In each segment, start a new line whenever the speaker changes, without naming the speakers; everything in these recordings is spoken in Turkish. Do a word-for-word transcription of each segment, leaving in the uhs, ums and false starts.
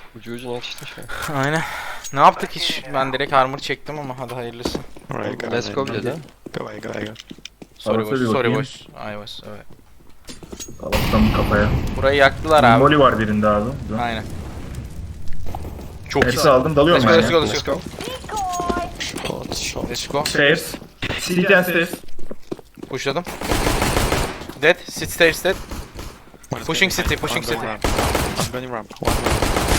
Ucu ucuna yetiştin şu an.
Aynen. Ne yaptık hiç? Ben direkt armor çektim ama hadi hayırlısı.
Alright, go
Let's go
ahead.
bile de.
Go away, go away, go.
Sorry
Arası
boys,
bir
sorry
bakayım.
boys. I was, evet.
Allah'tan kafaya.
Burayı yaktılar abi.
Molly var birinde abi.
Aynen. Çok iyi.
Hepsi aldım, dalıyorum
Let's go,
ben
let's
ya.
go, let's go.
Short, short.
Let's go.
Stairs. City and stairs.
Pushladım. Dead. Sit stairs dead.
One is
Pushing
going
city,
behind.
pushing
One
city.
going ramp. I'm going ramp. One ramp.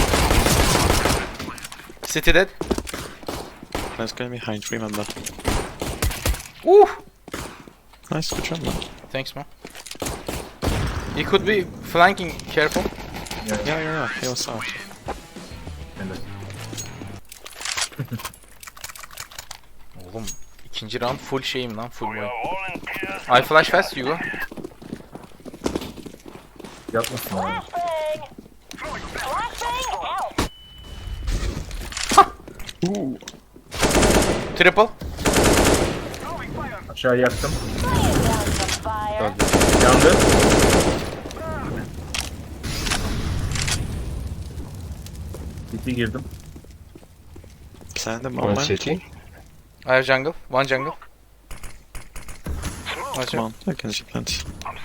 City dead.
Let's go behind, remember.
Uh.
Nice, good job, man.
Thanks man. He could be flanking, careful.
Yeah, yeah, yeah, he was out.
Oğlum ikinci round full şeyim lan, full boy. I flash fast, you go.
Yapmasın abi.
Ooh.
Triple.
Aşağı yaktım.
Öldü.
Yandı. City girdim.
Plant them
One
on, man.
city.
I have jungle, one jungle. Nice.
Come on, I can see plant.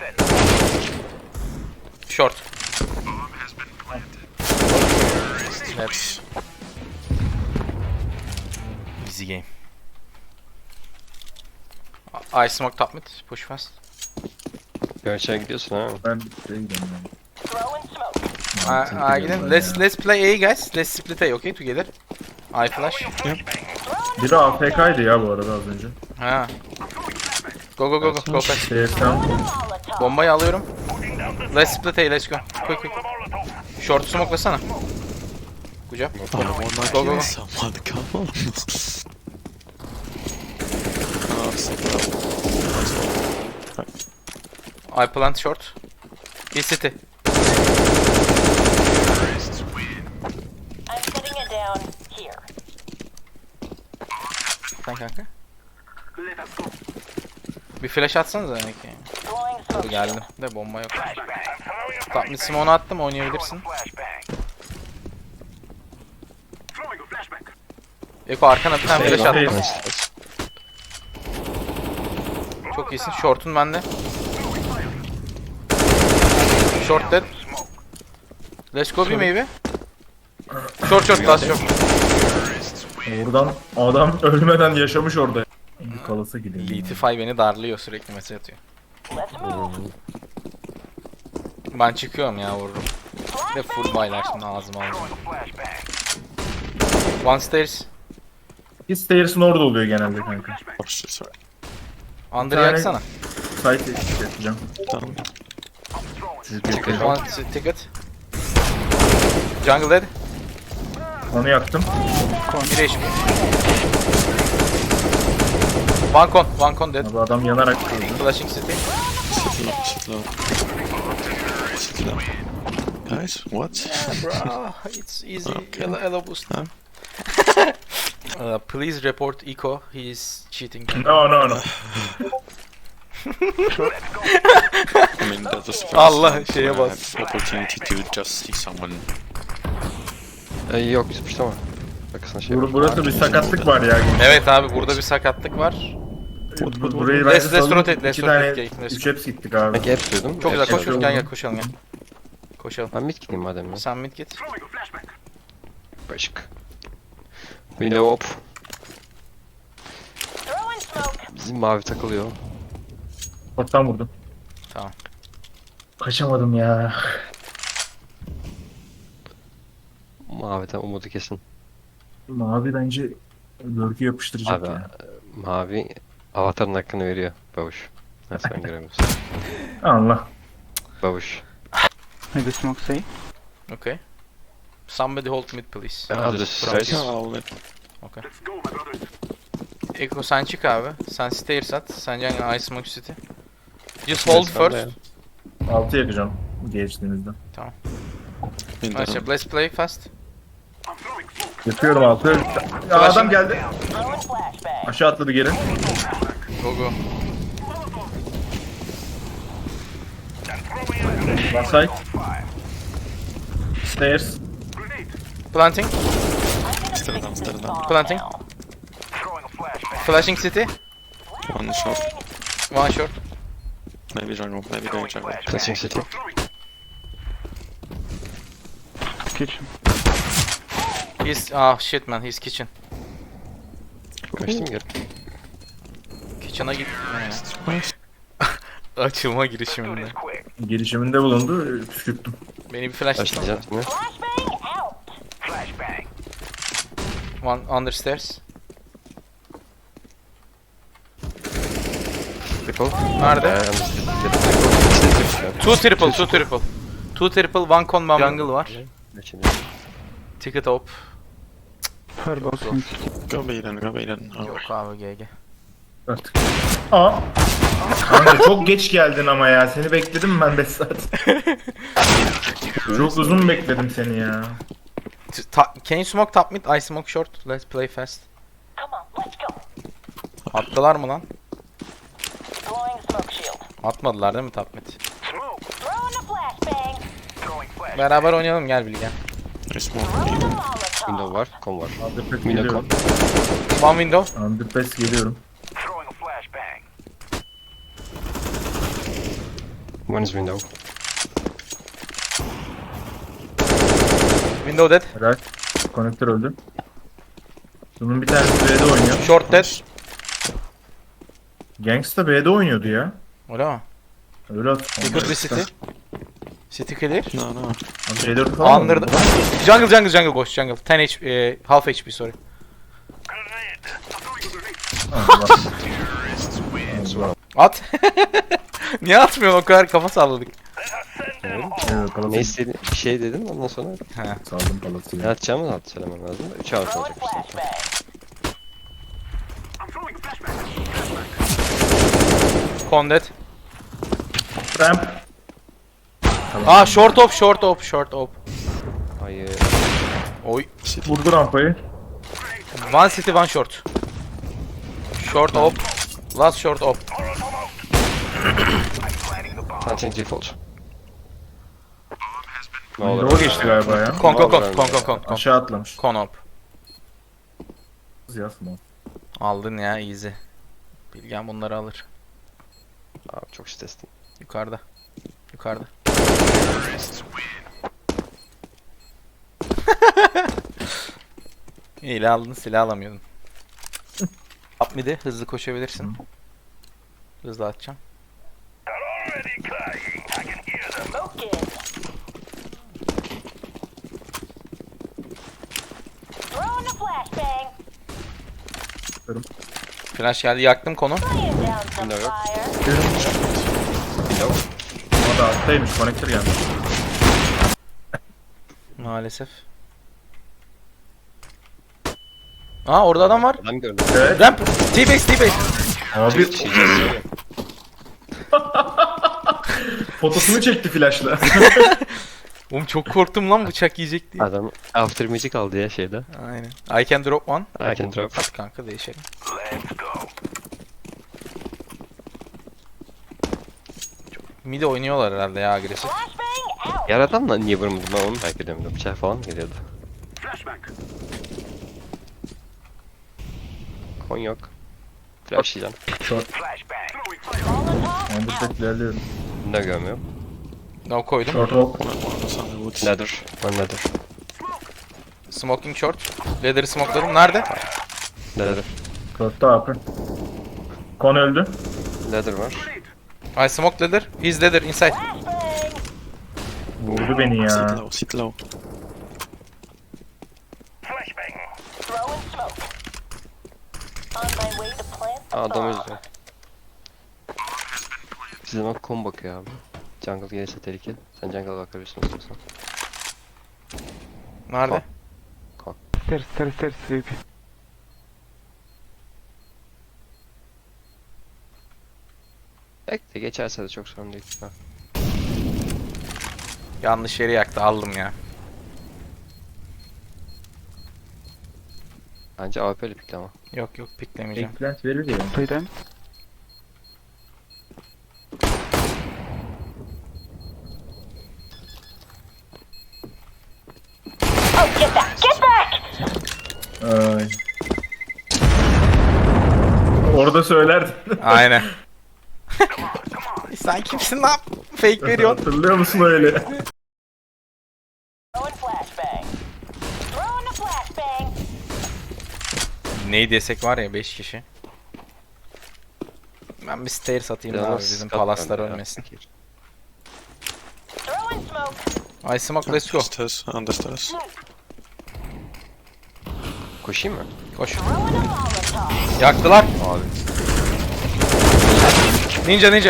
Short. Net. Easy game. I I smoke top mid, push fast.
Gerçeğe gidiyorsun ha.
Ben şeye gidiyorum yani.
I, I gidelim. Let's let's play A guys. Let's split A, okay, together. I flash.
Biri A F K'ydı ya bu arada az önce.
Ha. Go go go go go fast.
Stairs'ten.
Bombayı alıyorum. Let's split A, let's go. Quick quick. Short smoke'lasana. Good job.
Oh, one might
Go, go,
kill
go.
someone, come on. Oh, sick up.
I plant short. He city.
I'm putting it down here.
Sen kanka. Bir flash atsanıza belki.
Throwing
Dur
smoke.
geldim. De bomba yok. Top mid smoke'unu attım, oynayabilirsin. Eko arkana bir tane flash attım. Çok iyisin. Short'un bende. Short dead. Let's go bir maybe. Short short last short.
Oradan adam ölmeden yaşamış orada. Bir kalası gideyim.
Litify beni darlıyor, sürekli mesaj atıyor.
Let's move.
Ben çıkıyorum ya, vururum. Ve full baylar şimdi ağzıma alacağım. One stairs.
Bir stairs'ın orada oluyor genelde kanka.
Oh shit, sorry.
Under
Bir tane-
yaksana.
Site yapacağım.
Down.
Çünkü
One t- ticket. Jungle dead.
onu yaktım.
Bir H P. One con, one con dead.
Abi adam yanarak öldü.
Flashing city.
Sit low, sit low. Sit low. Guys, what?
Bro, it's easy.
Okay.
Elo, elo boost.
Huh?
Uh, please report Eco. He is cheating.
No no no.
I mean, that was the first
Allah,
time
şeye
where I
bas.
had opportunity to just see someone.
Ee, yok sıçrama. Bakısına şey
Bur
var.
burası bir sakatlık var ya.
Evet abi, burada bir sakatlık var.
Bu- Burayı
Let's-
ben
let's
saldım.
rotate, let's
İki
rotate,
tane
okay, let's
üç hepsi gittik abi.
Belki hep duydum.
Çok güzel,
Hep
koş
duydum.
gel gel koşalım gel. Koşalım.
Ben mid gideyim madem ya.
Sen mid git.
Başık. Window hop.
Throwing smoke.
Bizim mavi takılıyor.
Ortadan vurdum.
Tamam.
Kaçamadım ya.
Maviden umudu kesin.
Mavi bence lurk'ü yapıştıracak
Abi
ya.
mavi avatarın hakkını veriyor. Babuş. Ha sen göremiyorsun.
Allah.
Babuş.
Maybe smoke say.
Okay. Somebody hold mid please.
Ben hazır stairs.
Yeah, I'll let.
Okay. Eko sen çık abi. Sen stairs at. Sen can I smoke city. Just hold
Stairs bende
first.
Altı yakacağım geçtiğimizde.
In
Nice.
the,
Let's play fast.
Yapıyorum altı. Ya adam geldi.
Throwing flashbang.
Aşağı atladı geri.
Go go.
One side. Stairs.
Planting.
Still down, still down.
Planting. Flashing city.
One shot.
One short.
Maybe jungle, maybe going jungle.
Flashing city.
Kitchen.
He's ah shit man, he's kitchen.
Kaçtım geri.
Kitchen'a git.
Nice.
Açılma girişiminde.
Girişiminde bulundu, püskürttüm.
Beni bir flash
Başlayacağım şimdi.
Flashbang out.
One understairs.
Triple.
Nerede?
Ee, understood.
Two triple, two triple. Two triple, one con bomb jungle var.
Şimdi.
Ticket op.
Her boss in
Go B then, go B then. Oh.
Yok abi G G.
Artık. Aa. Kanka çok geç geldin ama ya. Seni bekledim ben beş saat. Çok uzun bekledim seni ya.
T- ta- Can you smoke top mid? I smoke short. Let's play fast.
Come on, let's go.
Attılar mı lan?
Throwing smoke shield.
Atmadılar değil mi top mid?
Throwing a flashbang.
Beraber oynayalım gel Bilge.
Nice smoke.
Throwing a molotov.
Window var, kom var.
Underpass
Mino
geliyorum.
kom.
One window.
Underpass geliyorum.
One is window.
Window dead.
Right. Konektör öldü. Bunun bir tanesi B'de oynuyor.
Short dead.
Gangsta B'de oynuyordu ya.
Öyle mi?
Öyle at.
We could be city. City clear.
No, no.
C dört falan
Under
mı?
jungle jungle jungle boş jungle. on H P, e, half H P sorry.
Allah. Allah.
At. Niye atmıyorsun o kadar kafa salladık.
Evet,
Ne
kalası
istedin? Bir şey dedim ondan sonra
He.
saldım kalası.
ne atacağımı da söylemem lazım da üç out
Throwing
olacak işte.
flashbang.
Con dead.
Ramp.
Aa short op short op short op.
Hayır.
Oy.
City.
Vurdu rampayı.
One city one short. Short op. Last short op.
Planting default. Ne
Doğru
olur.
geçti galiba ya.
Con con con
Vallahi
con con con con.
Aşağı atlamış.
Con op.
Yazma.
Aldın ya easy. Bilgen bunları alır.
Abi çok stresli.
Yukarıda. Yukarıda. İyi aldın silah alamıyordun. Up mid'e hızlı koşabilirsin. Hızlı atacağım.
Smoke in. Throwing a flashbang.
Flash geldi yaktım konu.
Laying down some
No.
fire.
O da alttaymış. Konektör gelmiş.
Maalesef. Aa orada adam var.
Adam gördüm.
Evet.
Ramp. T-base T-base.
Abi
Şey söylüyor.
fotosunu çekti flashla.
Oğlum çok korktum lan bıçak yiyecek diye.
Adam after magic aldı ya şeyde.
Aynen. I can drop one.
I can drop.
Hadi kanka değişelim. Çok midi oynuyorlar herhalde ya agresif.
Flashbang out.
Yer adamla niye vurmadım ben onu merak ediyorum. Bıçak falan mı geliyordu? Kon yok. Flash yiyeceğim.
Molotov
Underpass ilerliyorum.
Ne görmüyorum.
No koydum.
Short hop.
One, one was on the woods.
Nether. One nether.
Smoking short. Leather'ı smokeladım. Nerede?
Nether.
Short'ta abi. Kon öldü.
Nether var.
I smoke leather. He's leather inside.
flashbang.
Vurdu beni
Sit
ya.
low, sit low.
Throwing smoke. On my way to plant the
Aa, adam
bomb.
özlüyor. Bizim bak kom bakıyor abi. Jungle gelirse tehlike. Sen jungle bakabilirsin istiyorsan.
Nerede?
stairs, stairs, stairs, V P.
Bekle geçerse de çok sorun değil. Ha.
Yanlış yeri yaktı. Aldım ya.
Bence A W P'li pikli ama.
Yok yok piklemeyeceğim.
Eggplant verir ya.
Play them.
Oh, get back! Get back!
Ay. Orada söylerdin.
Aynen. Sen kimsin lan? Fake veriyorsun.
Hatırlıyor musun öyle?
Throwing flashbang. Throwing a flashbang.
Neyi desek var ya beş kişi. Ben bir stair satayım da abi
Yalnız
bizim
Scott
palaslar
bende ya.
ölmesin.
Throwing smoke.
I smoke, let's go.
Stairs, understairs.
Koşayım mı?
Koş.
Throwing a Molotov.
Yaktılar.
Abi.
Ninja ninja.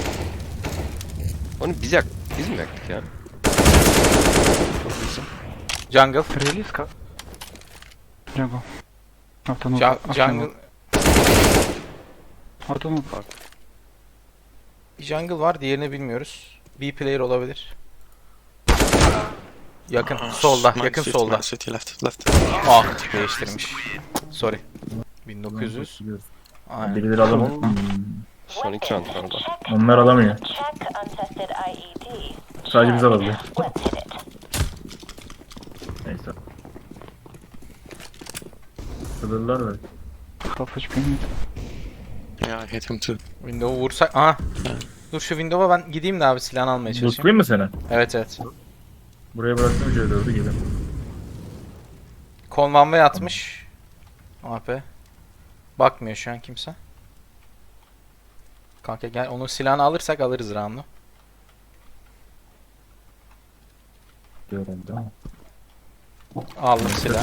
Onu biz yak biz mi yaktık ya?
Jungle.
Really, Scott? Jungle. After no.
Ja-
after
jungle.
no. After no.
Jungle var, diğerini bilmiyoruz. B player olabilir. Yakın solda,
Man
yakın
city,
solda.
Man city, left, left.
Ah, değiştirmiş. Sorry. bin dokuz yüz. Aynen.
Birileri alamıyor. Hmm.
Son iki round var orada.
Onlar alamıyor.
Check untested I E D.
Sadece biz alabiliyor.
Let's hit it.
Neyse. Sılırlar böyle.
Half H P mid.
Yeah, I hit him too.
Window'u vursak... Aha. Dur şu window'a ben gideyim de abi silahını almaya çalışayım.
Lootlayayım mı seni?
Evet evet.
Buraya bıraktım C dördü gelin.
Konvanve atmış. A P. Bakmıyor şu an kimse. Kanka gel onun silahını alırsak alırız round'u.
Diyorum değil mi?
Aldım silah.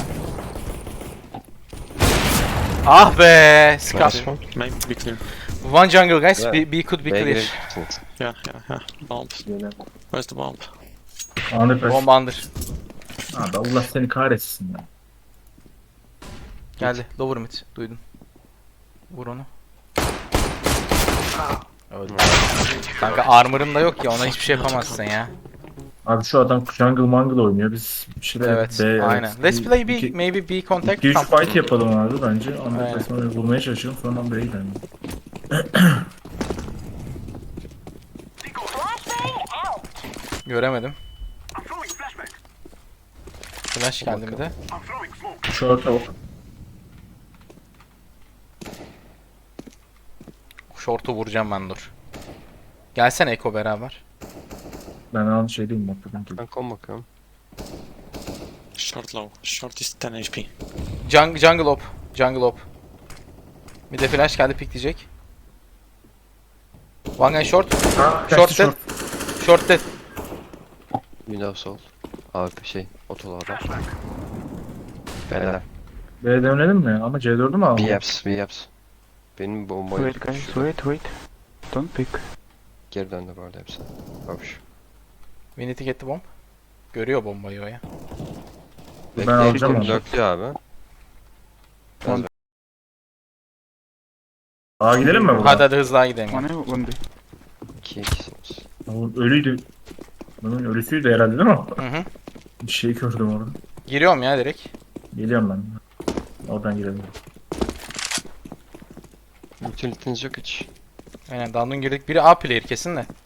Ah be! Scout.
Nice one.
Maybe be clear.
One jungle guys.
Yeah.
B, B could be
B'ye
clear.
girebilirsiniz.
Yeah, yeah, yeah. Bomb.
Gelin.
Where's the bomb?
Anı pes.
Bomba under.
Abi Allah seni kahretsin ya.
Geldi. Lower mid. Duydun. Vur onu. Öldü. Kanka armor'ım da yok ya, ona hiçbir şey yapamazsın ya.
Abi şu adam jungle mangle oynuyor. Biz bir şeyler
Evet,
B,
aynen.
evet.
Let's play B,
İki-
maybe B contact.
iki üç
Tamam.
fight yapalım abi bence. Anı
Aynen.
pesini bulmaya çalışalım. Sonra B'ye gidelim.
Flashbang out.
Göremedim. Flash geldi bir de.
Short ok.
Short'u vuracağım ben, dur. Gelsene Eko beraber.
Ben an şey değilim bakıyorum ki.
Ben kon bakıyorum.
Short low. Short is ten H P.
Jung jungle op. Jungle op. Bir de flash geldi, pikleyecek. One guy short. Short dead. Short dead.
Window sol. Abi şey otolu adam. Beyler.
B'ye dönelim mi? Ama C dördü mü
B
alalım?
yaps, B yaps. Benim bombayı
Wait, guys, wait, wait. Don't pick.
geri döndü bu arada hepsi. Babuş.
We need to get the bomb. Görüyor bombayı o ya.
Ben alacağım onu.
Döktü abi.
Aa gidelim mi buradan?
Hadi hadi hızlı daha gidelim.
One A, one B.
iki ikisiniz.
Oğlum ölüydü. Bunun ölüsüydü herhalde değil mi?
Hı hı.
Bir şey gördüm orada.
Giriyorum ya direkt.
Geliyorum ben. Oradan girelim.
Utilitiniz yok hiç.
Aynen, down'un girdik. Biri A player kesin de.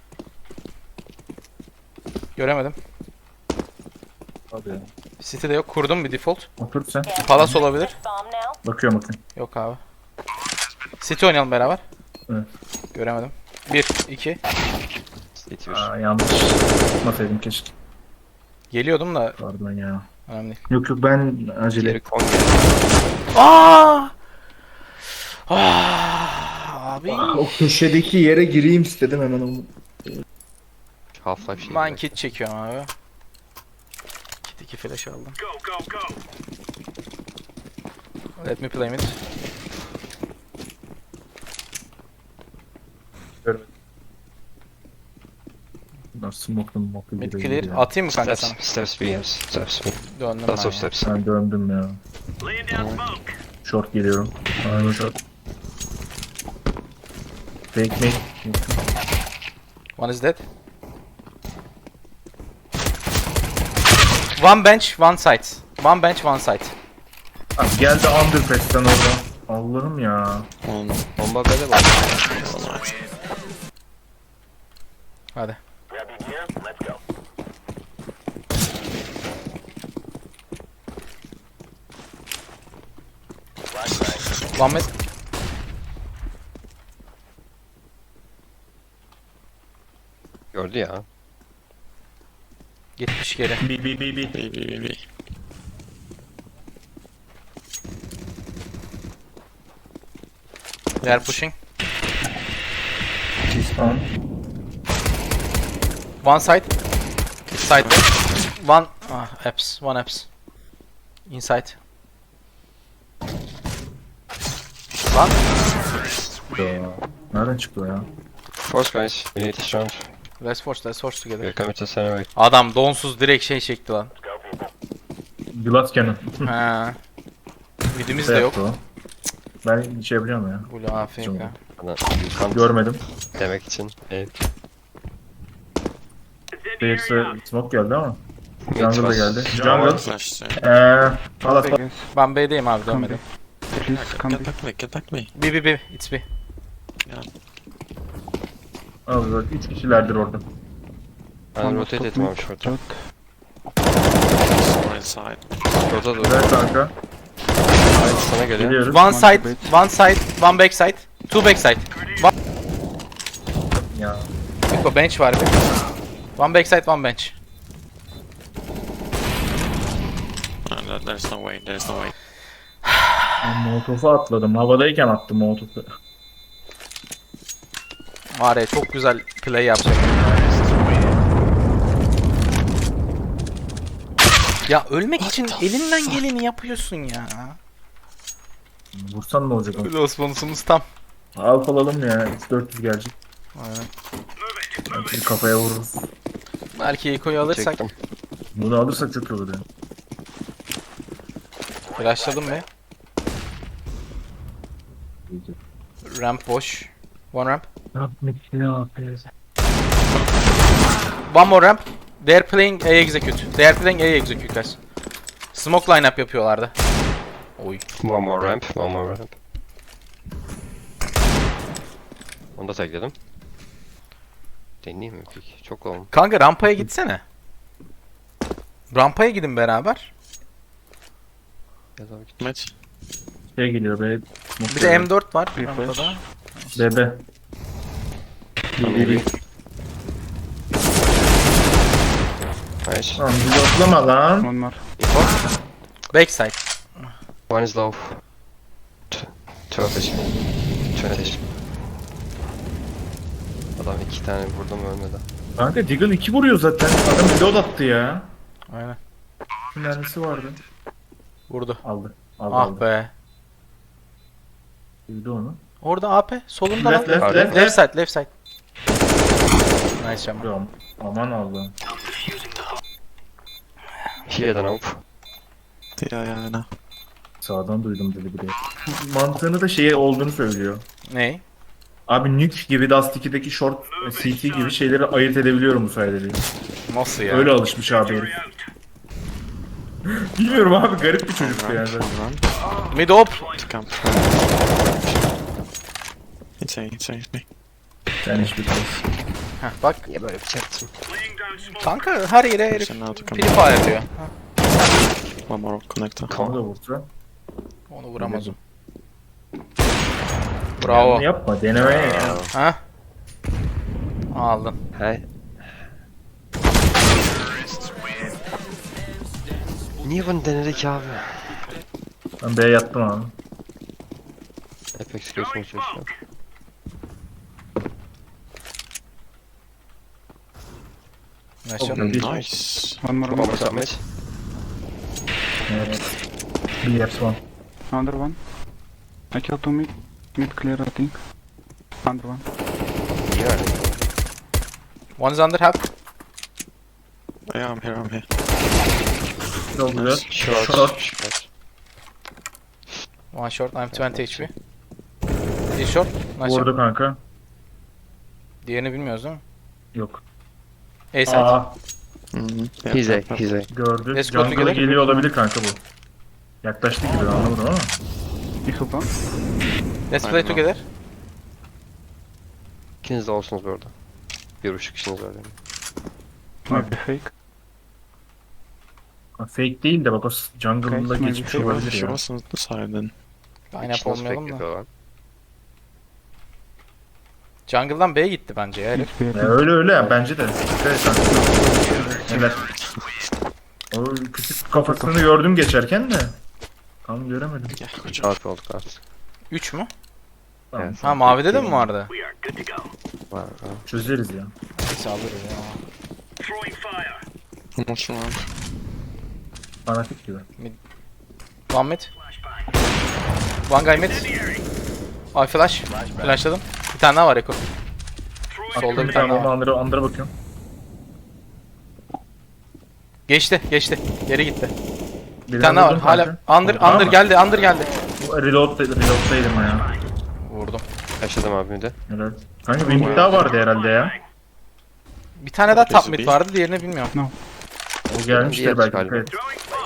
Göremedim.
Hadi ya.
City'de yok. Kurdum bir default.
Otur sen.
Palas olabilir.
Bomb now.
Bakıyorum bakıyorum.
Yok abi. City oynayalım beraber.
Evet.
Göremedim. bir, iki.
City bir.
Aa yanlış. Tutmasaydım keşke.
Geliyordum da
Pardon ya.
önemli değil.
Yok yok ben acele.
Geri kon geldi.
Aa! Ah! Abi.
O köşedeki yere gireyim istedim hemen onu.
Half-Life şey.
Ben kit çekiyorum abi. Kit iki flash aldım. Let me play mid.
Bunlar smoke'lu smoke'lu
Mid
gibi
clear.
ya.
Atayım mı kanka sana?
Steps, steps B yaps. Steps B.
Döndüm
That's
ben
of
ya.
steps.
Ben döndüm ya. Short geliyorum. Aynen short. Fake me.
One is dead. One bench, one side. One bench, one side.
Abi geldi underpass'ten orada. Allah'ım ya.
On.
Bomba B'de bak.
Alright.
Hadi. One mid.
Gördü ya.
Gitmiş geri.
B B B B.
B, B, B, B.
They are pushing.
Tamam.
One side. Side. One. Ah, apps. One apps. Inside. Lan.
Ya. Nereden çıktı o ya?
Force guys. We need this round.
Let's force, let's force together.
We're coming to center right.
Adam donsuz direkt şey çekti lan.
Glass Cannon.
Ha. Midimiz de
Ne
yok.
yaptı o? Ben şey yapacağım ya.
Blue A F K.
Bana you can't
Görmedim.
demek için. Evet.
Değilse smoke geldi ama.
Mid
Jungle da
was-
geldi. Jungle.
Flash. uh,
Eee. Palas.
Guys,
Ben B'deyim abi
come B.
dönmedim.
Please come
Get
B.
back me, get back me.
B B B. It's B.
Abi bak üç kişilerdir orada.
Ben
One
rotate
stop
ettim
mid.
abi short'a.
Short.
Right side.
Short'a doğru.
Evet kanka.
Hayır, sana geliyor.
Geliyoruz.
One side, one side, one back side, two back side. One.
Ya.
Eko bench var bir. One back side, one bench.
Uh, there- there's no way, there's no way.
Ben Molotof'u atladım. Havadayken attım Molotof'u.
Var ya çok güzel play yapacak. Ya ölmek için elinden geleni yapıyorsun ya.
Vursan ne olacak oğlum?
Öyle Osmanlısımız tam.
Alf alalım ya. üç dört yüz gelecek.
Aynen.
Belki kafaya vururuz.
Belki Eko'yu alırsak.
Çektim.
Bunu alırsak çok iyi olur ya.
Flashladım be. Ramp boş. One ramp. One more ramp. They are playing A execute. They are playing A execute guys. Smoke lineup yapıyorlardı. Oy.
One more ramp. One more ramp. Onu da tagledim. Deneyeyim mi peki? Çok olm.
Kanka rampaya gitsene. Rampaya gidin beraber.
Ya da git.
Mid.
Şey geliyor be.
Bir de M dört var
Bir
rampada.
flash.
Bebe.
Maybe. Nice.
Lan bizi atlama lan.
One more.
Backside.
One is low. T- Two ateş. Two ateş. Adam iki tane vurdum ölmedi.
Kanka Deagle iki vuruyor zaten. Adam reload attı ya.
Aynen.
Mermisi vardı.
Vurdu.
Aldı. Aldı
Ah
aldı.
be.
Duydu onu.
Orada A P. Solunda
Left
lan.
left
Left,
left
Left
left.
side, left side. Nice shot.
Aman, aman Allah'ım.
He had an op.
Yeah, yeah, I know.
Sağdan duydum dedi biri. Mantığını da şeye olduğunu söylüyor.
Ney?
Abi Nuke gibi Dust iki'deki short C T gibi şeyleri ayırt edebiliyorum bu sayede diyor.
Nasıl ya?
Öyle alışmış abi herif. Bilmiyorum abi garip bir
One
çocuktu yani.
ramp, one ramp.
Mid op.
To camp. It's A, it's A, it's B.
Yani hiçbir şey.
Heh, bak.
Niye böyle yapacaktım?
Kanka her yere herif
Pushing now to come.
Free Fire diyor.
One more connector.
Onu da vursa.
Onu vuramaz o. Bravo.
Yani yapma denemeye ya.
Ha? Aldın.
Hey. Niye bunu denedik abi?
Ben B'ye yattım abi.
Apex göğsüme çalışıyorum.
Nice shot.
Bir-
Nice.
One more.
One
One
more submit.
Evet. Bir yapsam.
Another one. I killed two mid. Mid clear, I think. Under one.
Niye öyle?
One is under half.
Yeah, I'm here, I'm here.
Çok güzel.
Short.
Short.
Short.
One short. I'm twenty H P. Bir short. Nice shot.
Vurdu kanka.
Diğerini bilmiyoruz değil mi?
Yok.
A side.
Aa
Mm-hmm.
He's A. He's A.
gördü.
Let's go
Jungle'a
together.
geliyor olabilir kanka bu. Yaklaştı gibi anlamadım ama.
You help one?
Let's play
Aynen.
together.
İkiniz de olsunuz bu arada. Bir buçuk kişiniz var yani.
Maybe fake.
Fake değil de bak o jungle'da
Okay,
geçmiş
maybe
She, was,
olabilir
she
ya.
was on the side then.
Line up
İşte nasıl
olmayalım da.
bekliyor lan?
Jungle'dan B'ye gitti bence ya herif.
Mid
Ya
B.
öyle öyle ya bence de. Evet, kanka. Neler? O küçük kafasını gördüm geçerken de. Tam göremedim.
Yeah, good job.
Rahat olduk artık.
üç mü?
Tamam,
Evet.
Ha mavide de mi vardı?
Var, var.
Çözeriz ya.
Neyse alırız ya.
One more round.
Fanatik gibi.
One mid. One guy mid. Ay flash. Flashladım. Bir tane daha var Eko. Solda bir
Bir
tane
tane
daha var.
Andır'a Andır'a bakıyorum.
Geçti geçti. Geri gitti. Bir
Birini
tane daha var.
vurdum
Hala
kanka.
under
Tamam
under
mı?
geldi under geldi.
Reload, reload'daydım ya.
Vurdum.
Yaşadım abi de.
Evet. Kanka bir mid daha vardı herhalde ya.
Bir tane daha top
Birisi
mid
bir.
vardı diğerini bilmiyorum.
O gelmiştir
Diğer
belki.
galiba.
Evet.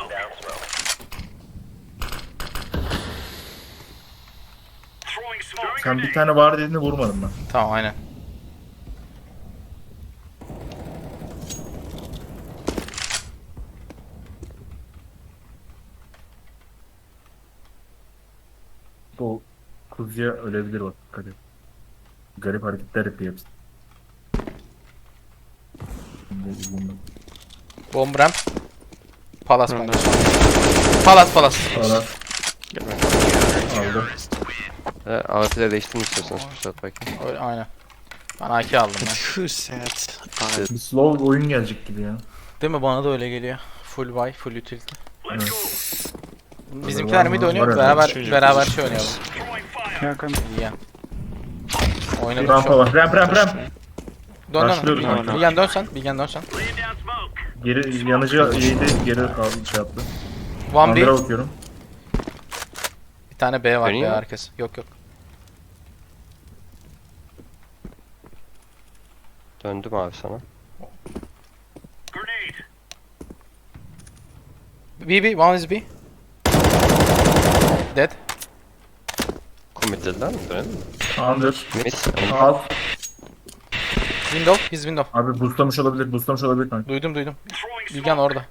Sen bir tane var dediğini vurmadım ben.
Tamam aynen.
Bu kuzuya ölebilir bak. Dikkat et. Garip hareketler yapıyor hepsi. Şimdi bunu-
Bomb ramp. Palas
Run
bence.
down.
Palas palas.
Sonra
Get ready.
aldı.
E, A W P'de değiştirmek istiyorsanız fırsat bakayım.
Öyle aynen. Ben A K aldım ben.
Who said I...
Bir slow oyun gelecek gibi ya.
Değil mi? Bana da öyle geliyor. Full buy, full utility.
Evet.
Bizimkiler mid oynuyor.
Var
Beraber
herhalde.
beraber şey oynayalım.
Yeah, come.
İyi ya. Oynadık
Rampa
şu an.
var. Ramp ramp ramp.
Dön dön.
Başlıyoruz
Bilgen,
abi.
Bilgen dön sen. Bilgen dön sen.
Geri yanıcı yedi geri kaldı şey yaptı.
One B.
Andır'a bakıyorum.
Bir tane B var
Dönüyor
B
mu?
arkası. Yok yok.
Döndüm abi sana.
B B. One is B. Dead.
Commit dediler mi? Dönelim mi?
Andır.
Mid.
Al.
Window. His window.
Abi boostlamış olabilir. Boostlamış olabilir kanka.
Duydum duydum. Bilgen orada.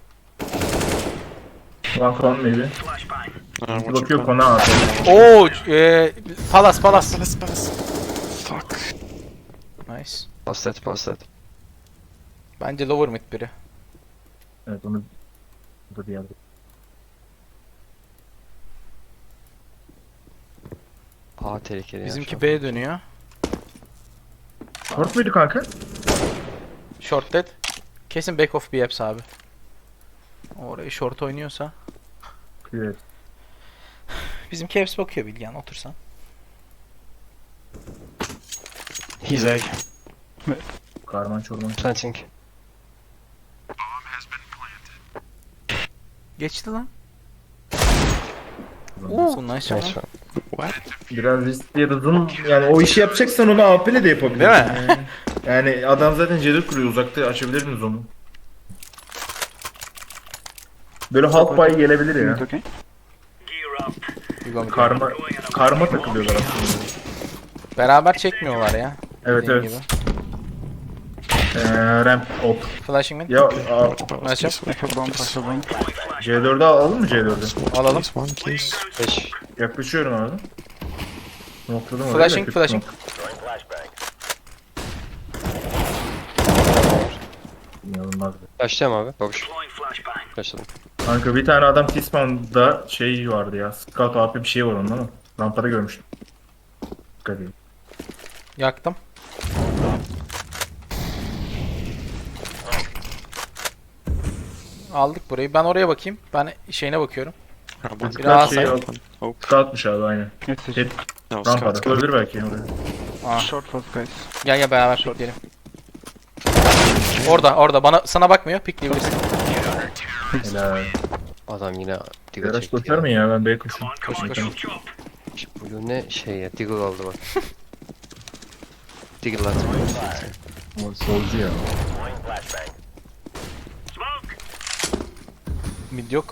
One con maybe.
Uh,
Bir
what's your
bakıyor
plan?
kona abi.
Oo, e, Palas Palas.
Palas, palas. Fuck.
Nice.
Pass that, pass that.
Bence lower mid biri.
Evet onu bu bir yerde.
A tehlikeli ya
Bizimki
şu an.
B dönüyor.
Short muydu kanka?
Short dead. Kesin back of B hepsi abi. Orayı short oynuyorsa.
Evet.
Bizimki hepsi bakıyor Bilgen otursan.
He's A.
Karman çorman.
Planting.
Geçti lan. Oo nice
Nice
one.
one.
What?
Biraz riskli ya da zoom yani o işi yapacaksan onu A P'le de yapabilirsin.
Değil mi?
Yani, yani adam zaten cedir kuruyor uzakta açabilirsiniz onu. Böyle half buy gelebilir
Mid,
ya.
okay?
You go mid.
Karma karma takılıyorlar aslında.
Beraber çekmiyorlar ya.
Evet
Dediğim
evet.
gibi.
Ee, ramp op.
Flashing mid.
Ya a,
Palas,
Nice
please.
I have bomb, I have bomb.
C dört'ü alalım mı C dört'ü?
Alalım.
Please, one, please.
beş.
Yaklaşıyorum abi. Nokladım oraya.
Flashing,
da kötü
flashing.
nok- İnanılmaz.
Başlayalım abi. Babuş. Başladım.
Kanka bir tane adam T-Spawn'da şey vardı ya. Scout A P bir şey var onun ama. Rampada görmüştüm. Dikkat edin.
Yaktım. Aldık burayı. Ben oraya bakayım. Ben şeyine bakıyorum.
Uh, one.
Bir daha
şey
say.
al.
Hope.
Scout'muş abi aynen.
It's a
Şey,
No,
rampada.
scout.
Olabilir belki oraya.
Aa,
short fast, guys.
gel gel beraber pikleyelim. Orada orada bana sana bakmıyor. Pikleyebilirsin.
Helal.
Adam yine diggle
Garaj
çekti
tutar
ya.
mı ya? Ben B'ye koşayım.
Koş koş.
Bu ne şey ya, diggle aldı bak. Diggle attı.
O solcu ya.
Mid yok.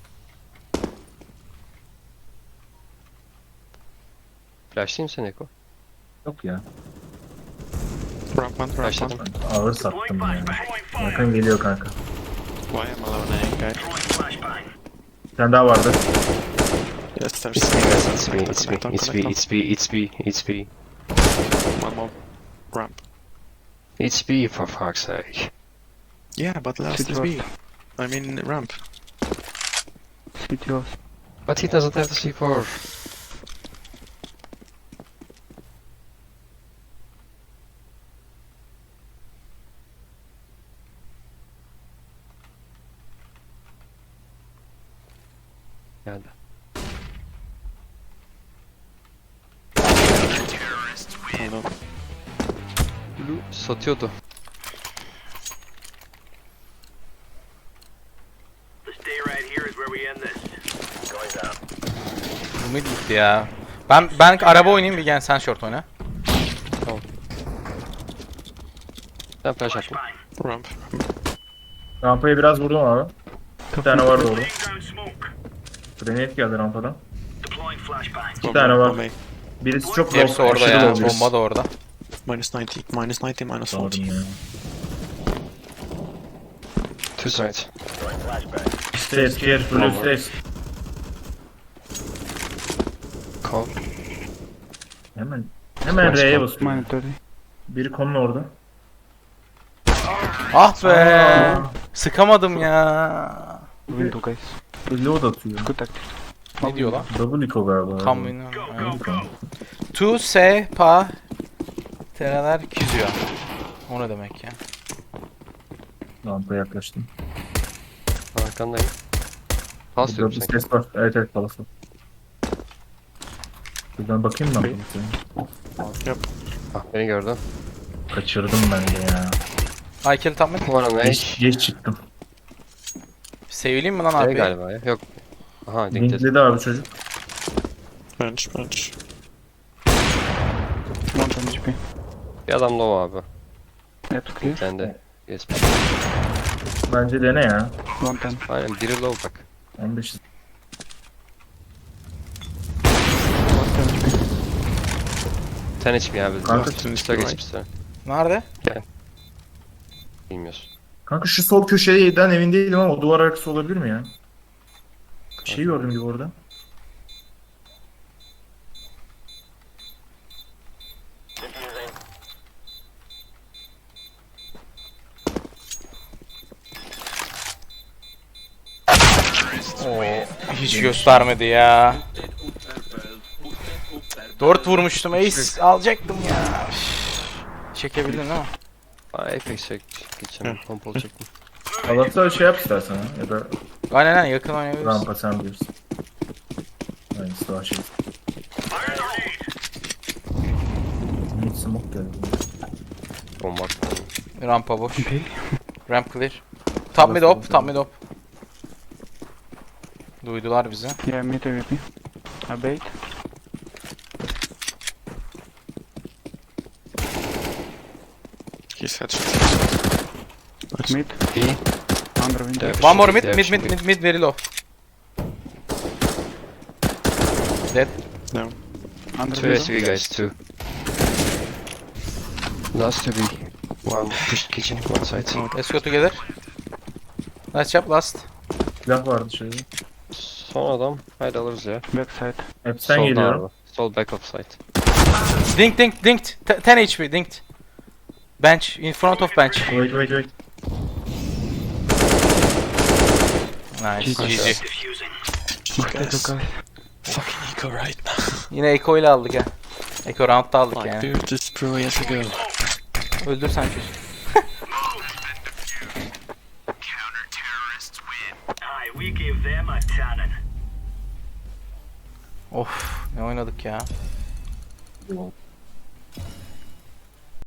Flashlayayım seni Eko.
Yok ya.
Ramp one, ramp
Başladım.
one.
Ağır sattım ya. Bakın geliyor kanka.
Why am I alone, eh, guy?
Bir tane daha vardı.
Yes, there's.
It's me, guys. It's me.
Connect,
It's me.
connect,
It's me.
connect,
It's me. It's me. It's me.
One more ramp.
It's me, for fuck's sake.
Yeah, but last
City
is B.
was.
I mean ramp.
City was.
But he doesn't have the C four. Geldi.
Hold on.
Blue satıyordu.
Bu mid gitti ya. Ben ben araba oynayayım, bir gel sen short oyna.
Ben flash attım.
Ramp.
Rampaya biraz vurdum abi. Bir tane vardı orada. Grenade geldi rampadan.
One
tane
more,
var.
one main.
Birisi çok low.
Hepsi orada
aşırı
ya.
low birisi.
Bomba da orada.
Minus ninety, minus ninety, minus
Aldım
forty.
ya.
Two sides.
Stairs, stairs, blue stairs.
Call.
Hemen. Hemen R'ye basıyor.
Mine thirty.
Biri konun orada.
Ah be. Sıkamadım ya.
Window guys.
Reload atıyor.
Good tactic.
Ne diyor lan?
Double eco galiba.
Tam bilmiyorum. Tu se pa tereler kiziyor. O ne demek ya?
Rampaya yaklaştım.
Arkandayım. Pas diyorum
Double
sanki.
ses var. Evet evet palası. Buradan bakayım mı?
Yep.
Ah, beni gördü.
Kaçırdım ben de ya.
Aykel tam mı?
One on
Geç,
H.
geç çıktım.
Sevileyim mi lan
Şey
abi?
galiba ya. Yok. Aha, linked.
Linkledi abi çocuk.
Bench, bench.
One ten H P.
Bir adam low abi.
That's clear.
Sen de. Yes.
Bence dene ya.
One ten.
Aynen biri low bak.
on beş.
One ten H P.
Sen hiç mi abi?
Kanka,
Üstüne
üstüne
geç
right.
üstüne.
Nerede?
Bilmiyorsun.
Kanka şu sol köşeden emin değilim ama o duvar arkası olabilir mi ya? Bir şey gördüm gibi orada.
Oo, hiç göstermedi ya. Dört vurmuştum, ace alacaktım ya. Üf. Çekebildin değil mi?
Aa, Apex çek. Geçeceğim. Pompalı çektim.
Allah'ta şey yap istersen ha. Ya da
Aynen aynen, yakın oynayabiliriz.
rampa sen bilirsin. Aynısı daha şey. Hiç smoke geldi.
Bomba attım.
Rampa boş. Ramp clear. Top mid op, top mid op. Duydular bizi.
Yeah, mid A W P. I bait.
He's headshot. headshot. Nice.
Mid.
B.
Under window.
Evet.
One more mid,
Şimdi-
mid, mid, mid, mid, very low. Dead.
No.
Under
Two S
window.
V guys, two. Last to B. One push kitchen, one side.
Let's go together. Let's jump last.
Silah vardı şöyle.
Son adam. Haydi alırız ya.
Backside.
Hepten
Solda
geliyorum.
abi. Sol back of site.
Dink, dink, dinked. T- ten H P, dinked. Bench, in front of bench.
Wait wait wait.
Nice,
G G.
G G.
Let's go
Guys,
guys.
fucking eco right now.
Yine Echo ile aldık ha. Echo round'da aldık
Like,
yani.
dude, this pro years ago.
Öldür sen çocuk. Of, ne oynadık ya.